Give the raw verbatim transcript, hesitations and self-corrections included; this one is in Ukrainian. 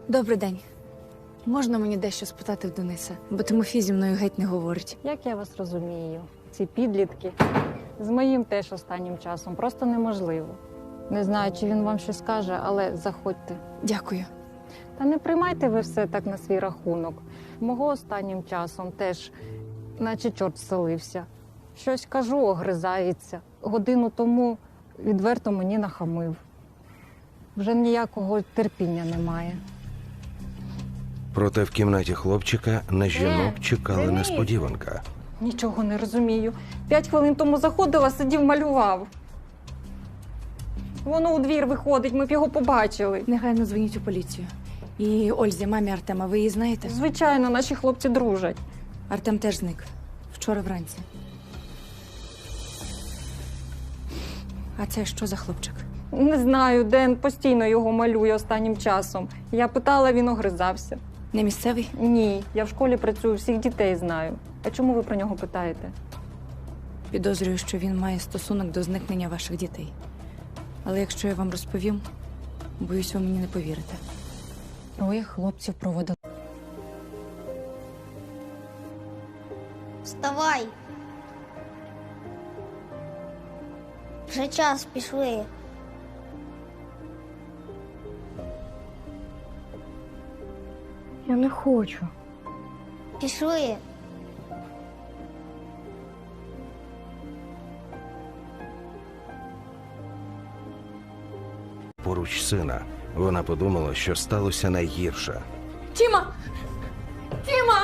Добрий день. Можна мені дещо спитати в Дениса? Бо Тимофій зі мною геть не говорить. Як я вас розумію, ці підлітки з моїм теж останнім часом просто неможливо. Не знаю, чи він вам щось скаже, але заходьте. Дякую. Та не приймайте ви все так на свій рахунок. Мого останнім часом теж, наче чорт вселився. Щось кажу, огризається. Годину тому відверто мені нахамив. Вже ніякого терпіння немає. Проте в кімнаті хлопчика на жінок чекала Денис! несподіванка. Нічого не розумію. П'ять хвилин тому заходила, сидів, малював. Воно у двір виходить, ми б його побачили. Негайно дзвоніть у поліцію. І Ользі, мамі Артема, ви її знаєте? Звичайно, наші хлопці дружать. Артем теж зник. Вчора вранці. А це що за хлопчик? Не знаю, Ден постійно його малює останнім часом. Я питала, він огризався. Не місцевий? Ні, я в школі працюю, всіх дітей знаю. А чому ви про нього питаєте? Підозрюю, що він має стосунок до зникнення ваших дітей. Але якщо я вам розповім, боюсь, ви мені не повірите. Троє хлопців проводили. Вставай. Вже час, пішли. Я не хочу. Пішли. Поруч сина вона подумала, що сталося найгірше. Тіма! Тіма!